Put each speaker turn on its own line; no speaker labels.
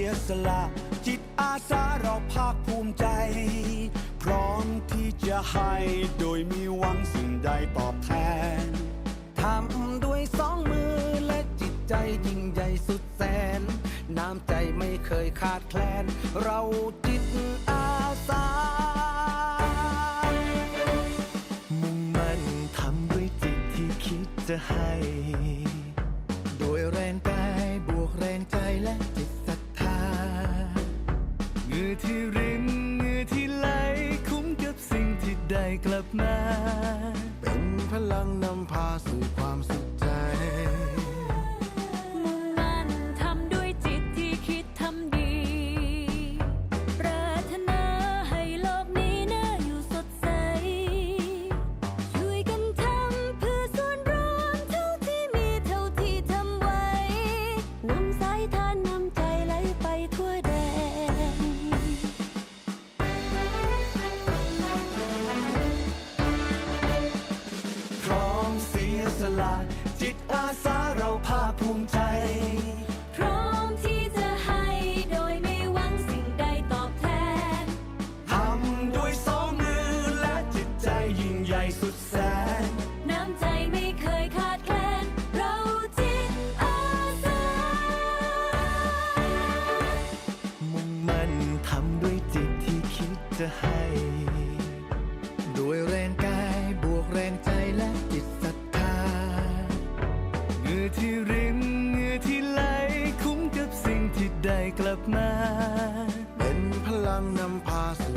ยสละจิตอาสาเราภาคภูมิใจพร้อมที่จะให้โดยมีหวังสิ่งใดตอบแทนทำด้วยสองมือและจิตใจยิ่งใหญ่สุดแสนน้ำใจไม่เคยขาดแคลนเราจิตอาสา
มุ่งมั่นทำด้วยจิตที่คิดจะให้โดยแรงกายบวกแรงใจและจิตศรัทธาเหงื่อที่รินเหงื่อที่ไหลคุ้มกับสิ่งที่ได้กลับมา
เป็นพลังนำพาสู่ความสุขใจ
มุ่งมั่นทำด้วยจิตที่คิดทำดีปรารถนาให้โลกนี้น่าอยู่สดใสช่วยกันทำเพื่อส่วนรวมเท่าที่มีเท่าที่ทำไว้นำสายทานนำใจไหลไปทั่วแดน
พร้อมเสียสละจิตอาสาเราภาคภูมิใจ
พร้อมที่จะให้โดยไม่หวังสิ่งใดตอบแทน
ทำด้วยสองมือและจิตใจยิ่งใหญ่สุดแสน
น้ำใจไม่เคยขาดแคลนเราจิตอาสา
มุ่งมั่นทำด้วยจิตที่คิดจะให้โดยแรงกายบวกแรงใจและจิตศรัทธาเหงื่อที่รินเหงื่อที่ไหลคุ้มกับสิ่งที่ได้กลับมา
เป็นพลังนำพาสู่